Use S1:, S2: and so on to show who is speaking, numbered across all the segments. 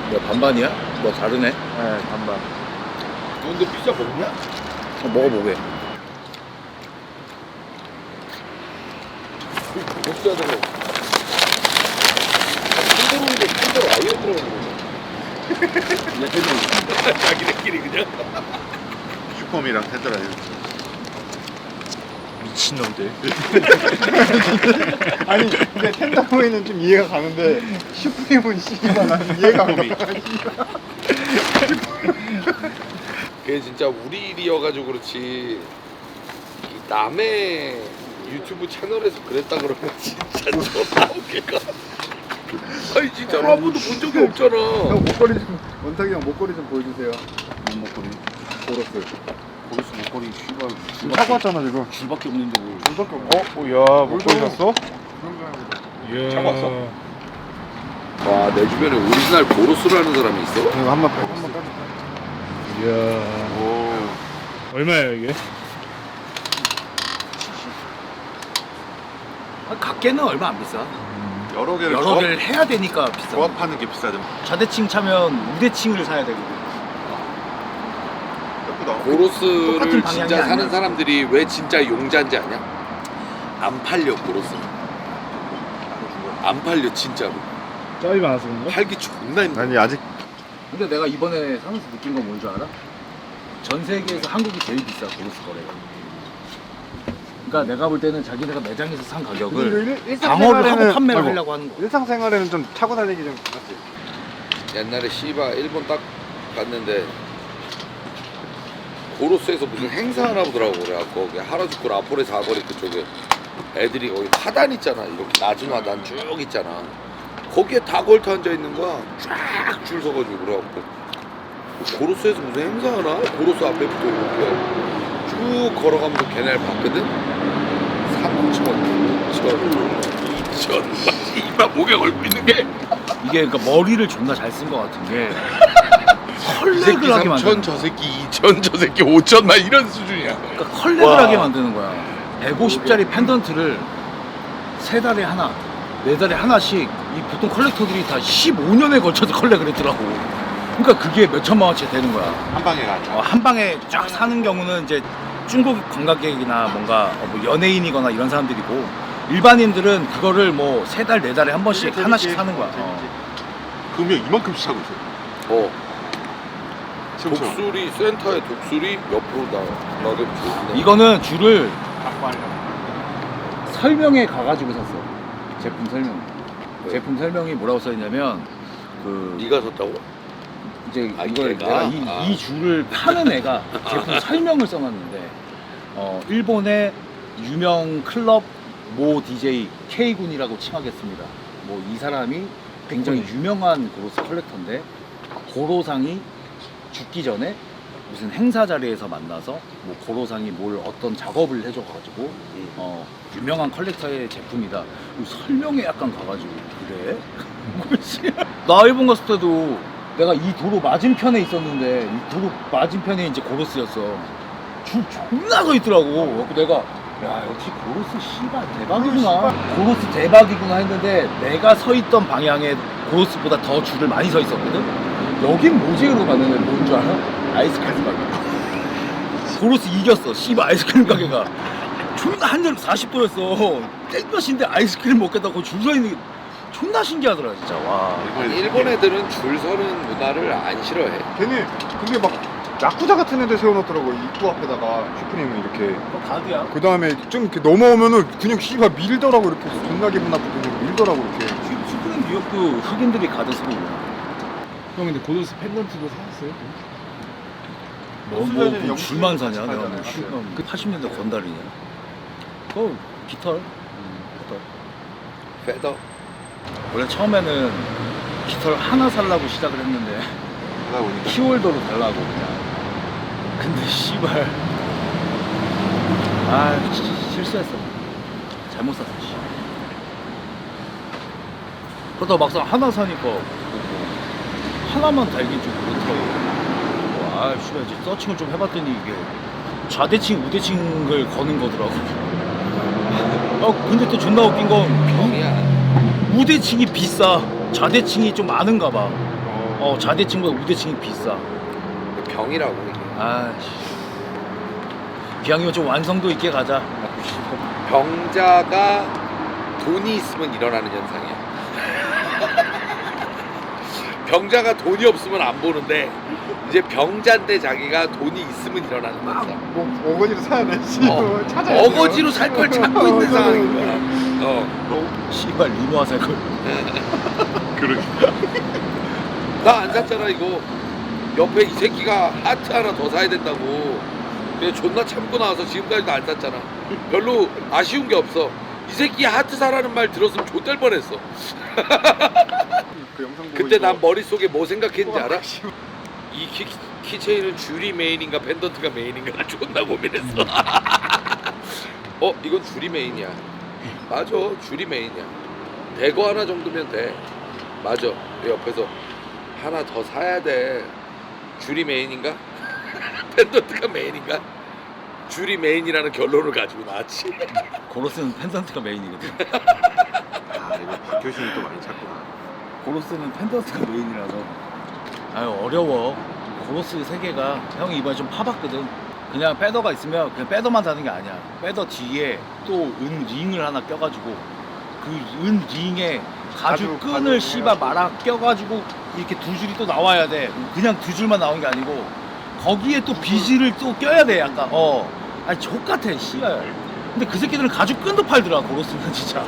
S1: 야 반반이야? 뭐 다르네?
S2: 네, 반반.
S3: 너 근데 피자 먹냐?
S1: 먹어보게.
S3: 먹자 되고. 한대로인데 한대로 아예 들어가는 거야. 자기네끼리 그냥.
S2: 슈퍼미랑 텐더라이브.
S1: 미친놈들.
S2: 아니 근데 텐더보이는 좀 이해가 가는데 슈프림은 씨발 나는 이해가 안 가.
S3: 그게 진짜 우리 일이어가지고 그렇지. 이 남의 유튜브 채널에서 그랬다 그러면 진짜 존나 웃길까. 아니 진짜로 한 번도 본 적이 없잖아.
S2: 형 목걸이 좀 원탁이 형 목걸이 좀 보여주세요.
S1: 뭔 먹거리?
S2: 보러스.
S1: 고로스 먹거리 씨발
S2: 지금 사고 왔잖아 지금.
S1: 줄밖에 없는데 뭘.
S2: 물밖에 없어. 야 목걸이 샀어?
S1: 이야.
S3: 차고 왔어? 와, 내 주변에 오리지널 고로스라는 사람이 있어?
S2: 이거 한번 빼. 한번 빼.
S1: 이야.
S3: 오.
S1: 얼마예요 이게?
S4: 각계는 얼마 안 비싸.
S2: 여러 개를
S4: 여러 개를 해야 되니까 비싸.
S2: 조합하는 게 비싸죠.
S4: 좌대칭 차면 우대칭을 사야 되고.
S2: 예쁘다.
S3: 고로스를
S4: 똑같은 방향이
S3: 진짜 사는
S4: 아니야.
S3: 사람들이 왜 진짜 용자인지 아냐? 안 팔려 고로스. 안 팔려 진짜로.
S1: 짭이 많아서 그런가?
S3: 팔기 존나 힘들어.
S2: 아니 아직
S4: 근데 내가 이번에 사면서 느낀 건 뭔 줄 알아? 전 세계에서 한국이 제일 비싸 고로스 거래가. 그러니까 내가 볼 때는 자기네가 매장에서 산 가격을 방어를 하고 판매를 하려고 하는 거야.
S2: 일상생활에는 좀 타고 다니기 좀 낫지.
S3: 옛날에 씨바 일본 딱 갔는데 고로스에서 무슨 행사 하나 보더라고. 그래갖고 거기 하라주쿠 라포레 사거리 그쪽에 애들이 거기 화단 있잖아. 이렇게 낮은 화단 쭉 있잖아. 거기에 다 걸터 앉아 있는 거야. 쫙 줄 서가지고 그래갖고 고로스에서 무슨 행사 하나? 고로스 앞에부터 이렇게 쭉 걸어가면서 걔네를 봤거든? 3,000, 2,000 이만 목에 걸고 있는 게
S4: 이게 그러니까 머리를 존나 잘 쓴 거 같은 게
S3: 이 새끼
S4: 컬렉을 하게
S3: 3,000,
S4: 만드는
S3: 저 새끼 2,000, 저 새끼 5,000 막 이런 수준이야.
S4: 그러니까 컬렉을 하게 만드는 거야. 150짜리 펜던트를 3달에 하나, 4달에 하나씩 이 보통 컬렉터들이 다 15년에 걸쳐서 컬렉을 했더라고. 그러니까 그게 몇 천만 원치 되는 거야.
S2: 한 방에 가죠.
S4: 한 방에 쫙 사는 경우는 이제 중국 관광객이나 뭔가 뭐 연예인이거나 이런 사람들이고 일반인들은 그거를 뭐 3달, 4달에 한 번씩 하나씩 사는 거야.
S2: 금액 이만큼씩 사고 있어.
S3: 독수리 센터에 독수리 옆으로 나가게 좋은데.
S4: 이거는 줄을 설명에 가가지고 샀어. 제품 설명.
S3: 왜?
S4: 제품 설명이 뭐라고 써있냐면 그
S3: 네가 샀다고?
S4: 이제
S3: 아,
S4: 이걸
S3: 걔가?
S4: 내가 이 줄을 파는 애가 제품 설명을 써놨는데 일본의 유명 클럽 모 DJ K군이라고 칭하겠습니다. 뭐 이 사람이 굉장히 유명한 고로스 컬렉터인데 고로상이 죽기 전에 무슨 행사 자리에서 만나서 뭐 고로상이 뭘 어떤 작업을 해줘가지고 유명한 컬렉터의 제품이다. 설명에 약간 가가지고 그래? 뭐지? 나 일본 갔을 때도 내가 이 도로 맞은편에 있었는데 이 도로 맞은편에 이제 고로스였어. 줄 존나 서 있더라고. 그래서 내가 야 역시 고로스 씨발 대박이구나. 고로스 대박이구나 했는데 내가 서 있던 방향에 고로스보다 더 줄을 많이 서 있었거든. 여긴 뭐지? 이러고 갔는데 뭔 줄 알아? 아이스크림 가게. 고로스 이겼어. 씨발 아이스크림 가게가. 존나 한절 40도였어. 땡볕인데 아이스크림 먹겠다고 줄 서 있는 게 존나 신기하더라 진짜. 와.
S3: 일본 애들은 줄 서는 문화를 안 싫어해.
S2: 걔네 그게 막 야쿠자 같은 애들 세워놓더라고. 입구 앞에다가 슈프림을 이렇게.
S4: 그거 가드야.
S2: 그 다음에 좀 이렇게 넘어오면은 그냥 씨발 밀더라고. 이렇게 존나 기분 나쁘게 그냥 밀더라고 이렇게.
S4: 슈프림 뉴욕도 흑인들이 가드 쓰고 있냐.
S1: 형 근데 고로스 펜던트도 사셨어요?
S4: 뭐 줄만 사냐? 내가 뭐
S2: 맞아요.
S4: 그 80년대 건달이냐? 그거 깃털.
S3: 페더.
S4: 원래 처음에는 깃털 하나 살라고 시작을 했는데
S2: 하다 보니까.
S4: 키홀더로 달라고 그냥. 근데 씨발 실수했어. 잘못 샀어. 씨. 그러다 막상 하나 사니까 하나만 달긴 좀 그렇더라고. 씨발 이제 서칭을 좀 해봤더니 이게 좌대칭, 우대칭을 거는 거더라고. 근데 또 존나 웃긴 건
S3: 병이야.
S4: 우대칭이 비싸. 좌대칭이 좀 많은가 봐. 좌대칭보다 우대칭이 비싸.
S3: 병이라고 이게.
S4: 아씨. 기왕이면 좀 완성도 있게 가자.
S3: 병자가 돈이 있으면 일어나는 현상이야. 병자가 돈이 없으면 안 보는데 이제 병자인데 자기가 돈이 있으면 일어나는 현상.
S2: 뭐 어거지로 사야 돼. 찾아야
S3: 어거지로 살 걸 찾고 있는 상황인 거야.
S4: 씨발 리노아 살 걸.
S1: 그러게.
S3: 나 안 샀잖아 이거. 옆에 이 새끼가 하트 하나 더 사야 된다고. 그냥 존나 참고 나와서 지금까지도 안 샀잖아. 별로 아쉬운 게 없어. 이 새끼 하트 사라는 말 들었으면 좆될 뻔했어.
S2: 그 영상 보고
S3: 그때
S2: 이거
S3: 난 머릿속에 뭐 생각했는지
S2: 우와,
S3: 알아?
S2: 씨발.
S3: 이 키체인은 줄이 메인인가 펜던트가 메인인가 나 존나 고민했어. 이건 줄이 메인이야. 맞아, 줄이 메인이야. 대거 하나 정도면 돼. 맞아. 내 옆에서 하나 더 사야 돼. 줄이 메인인가? 펜던트가 메인인가? 줄이 메인이라는 결론을 가지고 나왔지.
S4: 고로스는 펜던트가 메인이거든.
S2: 아 이거 박효신이 또 많이 찾구나.
S4: 고로스는 펜던트가 메인이라서. 아유 어려워. 고로스 세 개가 형이 이번에 좀 파봤거든. 그냥 패더가 있으면 그냥 패더만 사는 게 아니야. 패더 뒤에 또 은 링을 하나 껴가지고 그 은 링에 가죽 끈을 씨발 말아 껴가지고 이렇게 두 줄이 또 나와야 돼. 그냥 두 줄만 나오는 게 아니고 거기에 또 비즈를 또 껴야 돼 약간. 아니 족같아 씨발. 근데 그 새끼들은 가죽 끈도 팔더라 고로스는 진짜.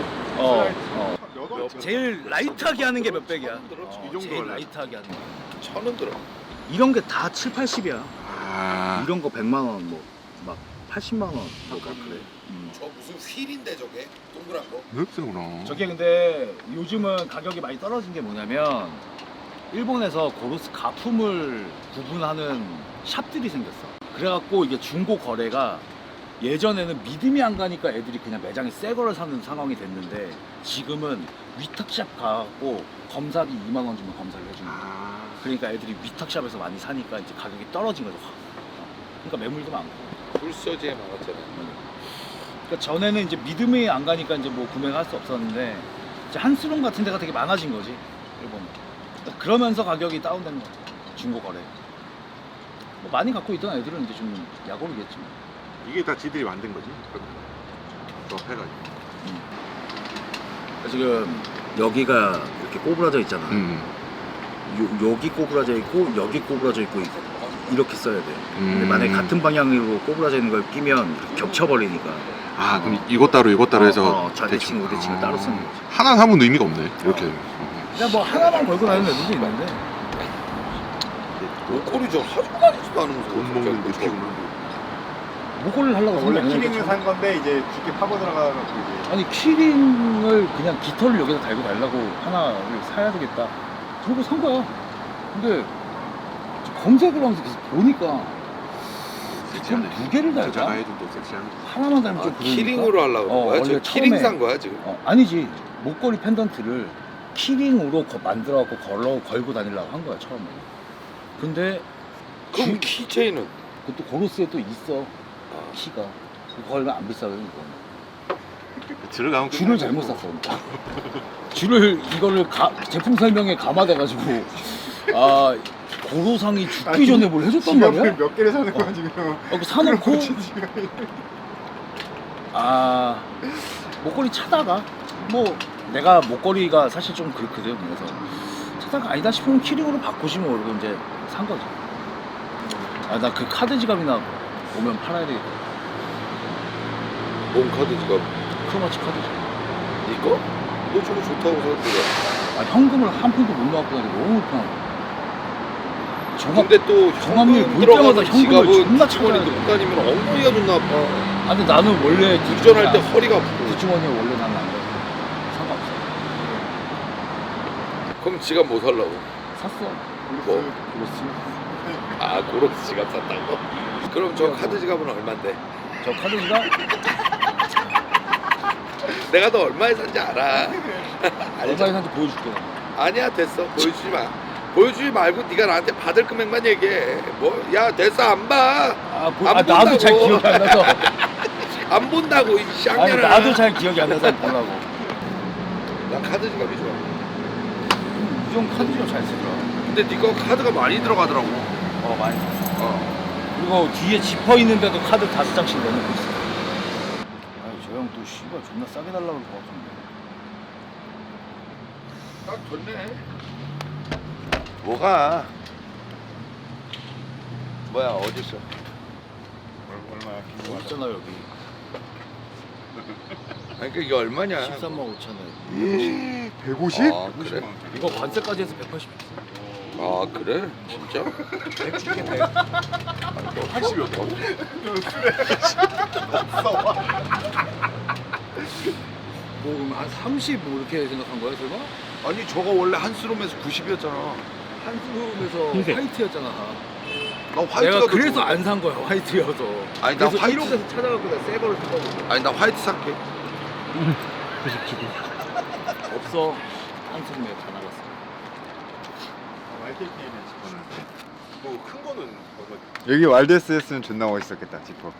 S4: 제일 라이트하게 하는 게 몇 백이야.
S2: 이 정도
S4: 제일
S2: 원래.
S4: 라이트하게 하는 거.
S3: 1,000원 들어.
S4: 이런 게 다 7, 80이야.
S2: 아
S4: 이런 거 100만 원, 뭐 막 80만 원, 뭐 막 그래.
S3: 저 무슨 휠인데 저게? 동그란 거?
S2: 맵스구나.
S4: 저게 근데 요즘은 가격이 많이 떨어진 게 뭐냐면 일본에서 고로스 가품을 구분하는 샵들이 생겼어. 그래갖고 이게 중고 거래가 예전에는 믿음이 안 가니까 애들이 그냥 매장에 새 거를 사는 상황이 됐는데 지금은 위탁샵 가갖고 검사비 2만 원 주면 검사를 해주는 거야.
S2: 아
S4: 그러니까 애들이 위탁샵에서 많이 사니까 이제 가격이 떨어진 거죠. 그러니까 매물도 많고.
S3: 불서지에 많았잖아.
S4: 그러니까 전에는 이제 믿음이 안 가니까 이제 뭐 구매를 할 수 없었는데 이제 한스룸 같은 데가 되게 많아진 거지 일본. 그러니까 그러면서 가격이 다운된 거야 중고 거래. 뭐 많이 갖고 있던 애들은 이제 좀 약오르겠지.
S2: 이게 다 지들이 만든 거지. 더 해가지고.
S4: 지금 여기가 이렇게 꼬부라져 있잖아. 여기 꼬부라져 있고 여기 꼬부라져 있고 이렇게 써야 돼. 근데 만약에 같은 방향으로 꼬부라져 있는 걸 끼면 이렇게 겹쳐버리니까.
S2: 아 그럼 이것 따로 이것 따로 해서
S4: 좌대칭 우대칭을 따로 쓰는 거지.
S2: 하나 사면 의미가 없네. 이렇게.
S4: 그냥 뭐 하나만 걸고 다니는 애들도 있는데
S3: 목걸이 저 사주고 다니지도 않으면서
S2: 돈 먹는 느낌으로.
S4: 목걸이를 하려고
S5: 원래
S4: 생각 안
S5: 키링을
S4: 했겠죠.
S5: 산 건데 이제 깊게 파고 들어가서 이제
S4: 아니 키링을 그냥 깃털을 여기다 달고 달라고 하나를 사야 되겠다 그러고 산 거야. 근데 검색을 하면서 계속 보니까 그럼 두 개를
S2: 여자가
S4: 달까?
S2: 해준 또 섹시한 거.
S4: 하나만 달면 좀 그러니까
S3: 키링으로 하려고 그런 거야?
S4: 원래
S3: 저 키링
S4: 처음에-
S3: 산 거야 지금?
S4: 아니지 목걸이 펜던트를 키링으로 만들어갖고 걸고 다니려고 한 거야 처음에. 근데
S3: 그럼 키체인은?
S4: 그것도 고로스에 또 있어 키가. 그거 걸면 안 비싸요 이거.
S2: 들어가면
S4: 줄을 잘못 샀어. 그러니까. 줄을 이거를 제품 설명에 감화돼가지고 아 고로상이 죽기 전에 뭘 해줬단 말이야?
S5: 지갑을 몇 개를 사는 거야 지금.
S4: 그 사놓고
S5: 지갑이.
S4: 아 목걸이 차다가 뭐 내가 목걸이가 사실 좀 그렇거든. 그래서 차다가 아니다 싶으면 키링으로 바꾸지 뭐 이러고 이제 산 거지. 아 나 그 카드 지갑이나 오면 팔아야 되겠다.
S3: 뭔 카드 지갑?
S4: 크로마치 카드 지갑.
S3: 이거? 너 저거 좋다고 생각해.
S4: 아 현금을 한 푼도 못 넣었고 너무 불편하고.
S3: 근데 또
S4: 종합률
S3: 현금
S4: 볼
S3: 들어가는
S4: 때마다 현금을
S3: 지갑은
S4: 존나
S3: 뒷주머니
S4: 찾아야 돼.
S3: 넣고 다니면 엉덩이가 존나 아파.
S4: 아 근데 나는 원래
S3: 운전할 때 허리가 아프고.
S4: 뒷주머니에 원래 나는 안 돼. 상관없어.
S3: 그럼 지갑 뭐 살라고?
S4: 샀어.
S3: 뭐?
S4: 그렇지.
S3: 아 고로스 지갑 샀다고? 그럼 저 카드 지갑은 얼만데?
S4: 저 카드 지갑
S3: 내가 너 얼마에 산지 알아.
S4: 얼마에 산지 보여줄게.
S3: 아니야 됐어 보여주지 마. 보여주지 말고 네가 나한테 받을 금액만 얘기해. 뭐 야 됐어 안 봐. 안
S4: 나도
S3: 본다고.
S4: 잘 기억이 안 나서.
S3: 안 본다고 이
S4: 아니
S3: 쌍년아.
S4: 나도 잘 기억이 안 나서 보려고.
S3: 나 카드 지갑이 좋아.
S4: 이종 카드 지갑 잘 쓰더라.
S3: 근데 네거 카드가 많이 들어가더라고.
S4: 많이.
S3: 어.
S4: 그리고 뒤에 지퍼 있는데도 카드 5장씩 내놓고 있어. 아유 저 형 또 씨발 존나 싸게 달라고 그럴 것 같은데.
S3: 딱 좋네. 뭐가? 뭐야 어딨어?
S5: 얼마야?
S4: 여기 있잖아 여기.
S3: 아니 그러니까 이게 얼마냐?
S4: 13만 5천 원.
S2: 150?
S3: 아 그래?
S4: 이거 관세까지 해서 180.
S3: 아 그래? 진짜?
S4: 100 줄게 100.
S3: 80이 없다고?
S4: 뭐 그럼 한 30 뭐 이렇게 생각한 거야 설마?
S3: 아니 저거 원래 한스롬에서 90이었잖아.
S4: 한스룸에서
S1: 흰색.
S4: 화이트였잖아.
S3: 나 화이트가
S4: 내가
S3: 더
S4: 그래서
S3: 좋은데.
S4: 안 산 거야 화이트여서.
S3: 아니, 나
S4: 그래서
S3: 화이트-
S4: 1호에서 찾아갖고 내가 새 거를 산 거고.
S3: 아니 나 화이트 살게.
S1: 90주고.
S4: 없어. 한스룸에 다 나갔어.
S5: YKK는 집었는데. 뭐큰 거는 얼마?
S2: 여기 왈데스 했으면 존나 멋있었겠다 지퍼.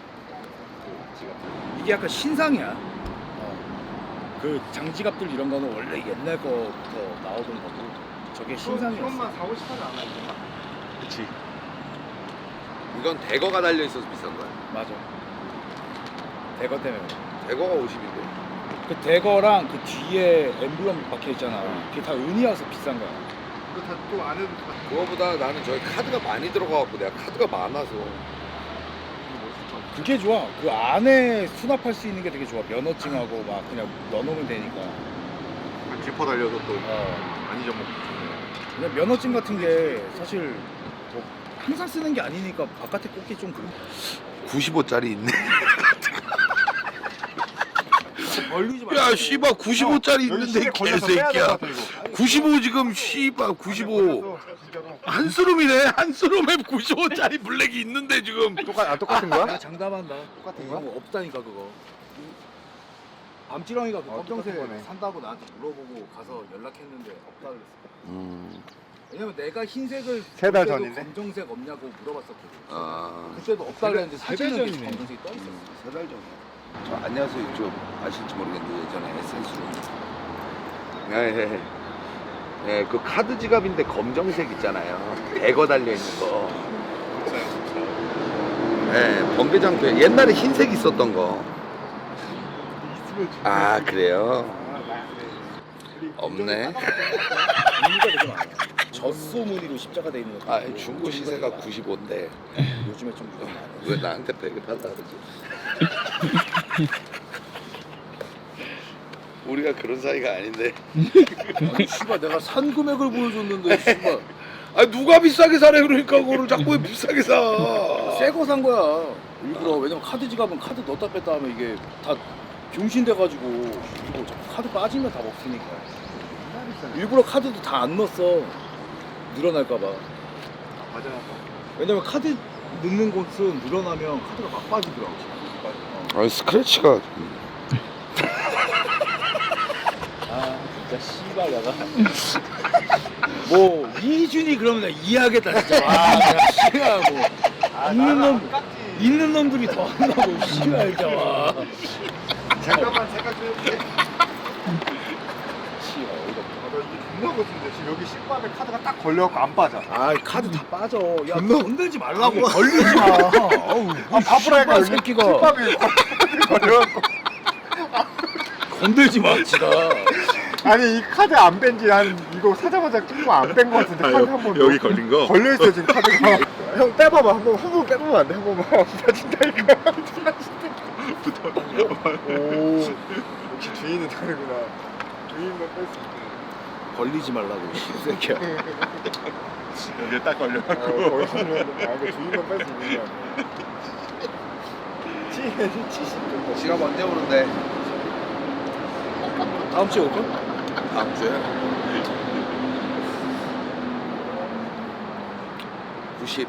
S4: 이게 약간 신상이야. 그 장지갑들 이런 거는 원래 옛날 거부터 나오던 거고 저게 신상이었어.
S5: 사고 싶어도 안 하지.
S4: 그치.
S3: 이건 대거가 달려 있어서 비싼 거야.
S4: 맞아. 대거 때문에.
S3: 대거가 50인데.
S4: 그 대거랑 그 뒤에 엠블럼 박혀 있잖아. 그게 다 은이어서 비싼 거야.
S5: 이거 다또 안 해도 다
S3: 그거보다 나는 저기 카드가 많이 들어가갖고 내가 카드가 많아서.
S4: 그게 좋아. 그 안에 수납할 수 있는 게 되게 좋아. 면허증하고 막 그냥 넣어놓으면 되니까.
S5: 지퍼 달려서 또
S4: 어.
S5: 많이 좀 먹고.
S4: 그냥 면허증 같은 게 사실 뭐 항상 쓰는 게 아니니까 바깥에 꽂기 좀 그래.
S3: 95짜리 있네.
S4: 벌리지 말고.
S3: 야 씨발 95짜리
S5: 여기
S3: 있는데
S5: 시계 걸려서 빼야 될
S3: 개새끼야.
S5: 것 같아 이거.
S3: 95 지금 씨발 95.
S5: 걸려서 진짜로.
S3: 한스룸이네. 한스룸에 95짜리 블랙이 있는데 지금.
S2: 똑같은
S4: 내가
S2: 거야?
S4: 장담한다.
S2: 똑같은
S4: 이거
S2: 거야?
S4: 없다니까 그거. 밤지렁이가 그 검정색
S2: 똑같은 거네.
S4: 산다고 나한테 물어보고 가서 연락했는데 없다 그랬어. 왜냐면 내가 흰색을
S2: 세달
S4: 볼 때도
S2: 전인데?
S4: 검정색 없냐고 물어봤었거든.
S3: 아.
S4: 그때도 없다 그랬는데 사진은
S2: 세달
S4: 계속
S2: 전이네.
S4: 검정색이 떠 있었어.
S3: 3달 전에. 저 안녕하세요. 좀 아실지 모르겠는데 예전에 에센스로. 예. 예, 그 카드 지갑인데 검정색 있잖아요. 대거 달려 있는 거. 예, 번개장표. 옛날에 흰색 있었던 거. 아 그래요? 없네.
S4: 무늬가 되게 많아. 젖소 무늬로 십자가 돼 있는 거.
S3: 아 중고 시세가 95인데
S4: 요즘에 좀 무늬가 많아.
S3: 왜 나한테 배급하다 그러지? 우리가 그런 사이가 아닌데.
S4: 아니 씨발 내가 산 금액을 보여줬는데 씨발
S3: 아 누가 비싸게 사래 그러니까 그거를 자꾸 왜 비싸게 사?
S4: 새 거 산 거야. 일부러. 왜냐면 카드 지갑은 카드 넣었다 뺐다 하면 이게 다 병신돼가지고 이거 자꾸 카드 빠지면 다 먹히니까. 일부러 카드도 다 안 넣었어. 늘어날까봐.
S5: 맞아.
S4: 왜냐면 카드 넣는 곳은 늘어나면 카드가 막 빠지더라고.
S3: 아니 스크래치가
S4: 아 진짜 씨발 내가 뭐 이준이 그러면 내가 이해하겠다 진짜. 아 내가 싫어하고 있는 놈들이 더 한다고 씨발 진짜 와.
S5: 잠깐만 생각 좀 해볼게.
S4: 씨발 어이가 없네.
S5: 나 이게 존나 거친데 지금 여기 신발에 카드가 딱 걸려갖고 안 빠져.
S4: 아 카드 다 빠져. 야
S2: 존나-
S4: 건들지 말라고. 걸리지 마. 어우
S2: 아 바보라니까 여기
S4: 새끼가
S2: 신발에 걸려갖고.
S4: 건들지 마 지가.
S2: 아니 이 카드 안 뺀지 한 이거 사자마자 끼고 안 뺀 거 같은데 카드 한 번.
S1: 여기 걸린 거?
S2: 걸려있어 지금 카드가. 형 빼봐봐 한 번 빼보면 안 돼? 한 번만. 빠진다니까. 오 역시 주인은 다르구나. 주인만 뺄 수 있구나.
S4: 걸리지 말라고 씨새끼야.
S5: 여기에 딱 걸려갖고.
S2: 거의 이거 주인만 뺄 수 있는 거야. 70 정도.
S3: 지갑 언제 오는데?
S4: 다음 주에 올걸?
S3: 다음 주에? 90.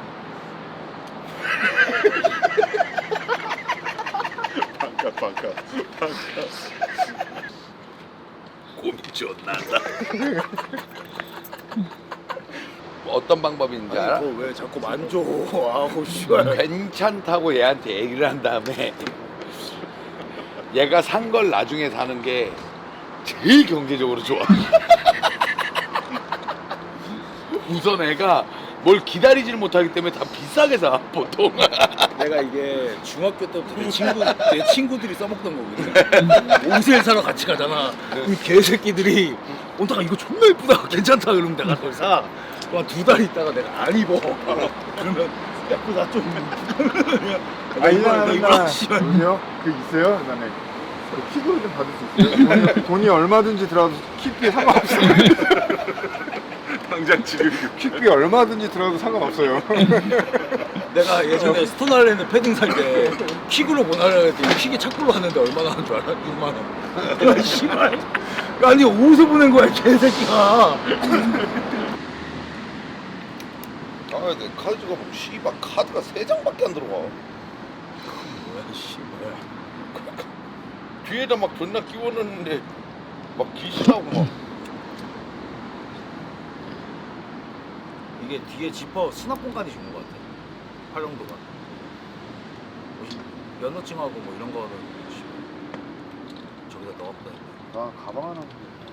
S5: 반값.
S3: 고민 존나다. 어떤 방법이 있는지 알아?
S4: 왜 자꾸 만져? 아우 씨발.
S3: 괜찮다고 얘한테 얘기를 한 다음에 얘가 산 걸 나중에 사는 게 제일 경제적으로 좋아. 우선 애가 뭘 기다리지를 못하기 때문에 다 비싸게 사 보통.
S4: 내가 이게 중학교 때부터 내 친구들이 써먹던 거거든. 옷을 사러 같이 가잖아. 이 개새끼들이 온다가 이거 존나 예쁘다, 괜찮다 그러면 내가 그걸 사. 그만 2달 있다가 내가 안 입어. 그러면 야, 그거 나 좀.
S2: 이거 씨요? 그 있어요? 그다음에 그 킥으로 좀 받을 수 있어요? 돈이 얼마든지 들어도 킥비 상관없어요.
S5: 당장 지금
S2: 킥비 얼마든지 들어도 상관없어요.
S4: 내가 예전에 스톤아일랜드 패딩 살 때 킥으로 보내려고 했더니 킥이 착불로 왔는데 얼마나 하는 줄 알아? 6만 원. 야 씨발. 아니 어디서 보낸 거야 개새끼가.
S3: 내 카드가 뭐 씨발 카드가 3장밖에 안 들어가.
S4: 뭐야 씨발.
S3: 뒤에다 막 존나 끼워넣는데 막 기신하고 막.
S4: 이게 뒤에 지퍼 수납공간이 좋은 것 같아. 활용도가. 면허증하고 뭐 이런 거는 저기다 넣었다.
S2: 나 가방 하나.